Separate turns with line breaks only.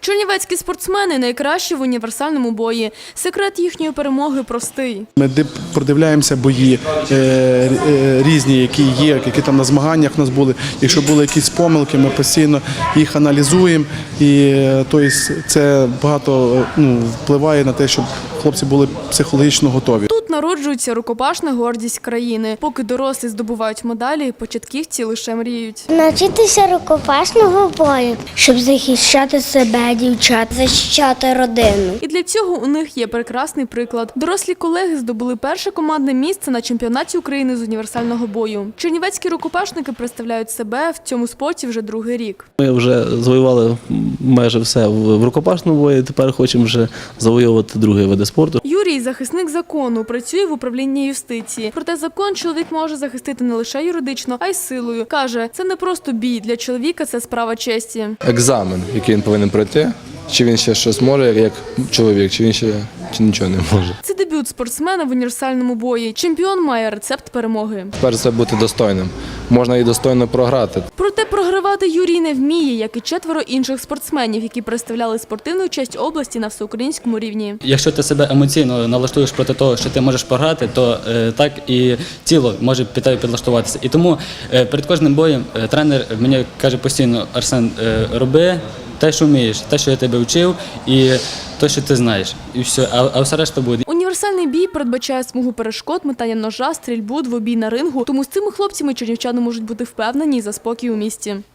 Чернівецькі спортсмени – найкращі в універсальному бої. Секрет їхньої перемоги простий.
Ми продивляємося бої різні, які є, які там на змаганнях у нас були. Якщо були якісь помилки, ми постійно їх аналізуємо. І тобто, це багато впливає на те, щоб хлопці були психологічно готові.
Тут народжується рукопашна гордість країни. Поки дорослі здобувають медалі, початківці лише мріють.
Навчитися рукопашного бою, щоб захищати себе, дівчат, захищати родину.
І для цього у них є прекрасний приклад. Дорослі колеги здобули перше командне місце на чемпіонаті України з універсального бою. Чернівецькі рукопашники представляють себе в цьому спорті вже другий рік.
Ми вже завоювали майже все в рукопашному бою, тепер хочемо вже завоювати другі види спорту.
Юрій – захисник закону, працює в управлінні юстиції. Проте закон чоловік може захистити не лише юридично, а й силою. Каже, це не просто бій, для чоловіка це справа честі.
Екзамен, який він повинен пройти, чи він ще щось може, як чоловік, чи він ще нічого не може.
Це дебют спортсмена в універсальному бої. Чемпіон має рецепт перемоги.
Перш це бути достойним. Можна і достойно програти.
Проте програвати Юрій не вміє, як і 4 інших спортсменів, які представляли спортивну честь області на всеукраїнському рівні.
Якщо ти себе емоційно налаштуєш проти того, що ти можеш програти, то так і тіло може під тебе підлаштуватися. І тому перед кожним боєм тренер мені каже постійно: Арсен, роби те, що вмієш, те, що я тебе вчив, і те, що ти знаєш. І все, а все решта буде.
Універсальний бій передбачає смугу перешкод, метання ножа, стрільбу, двобій на рингу. Тому з цими хлопцями чернівчани можуть бути впевнені за спокій у місті.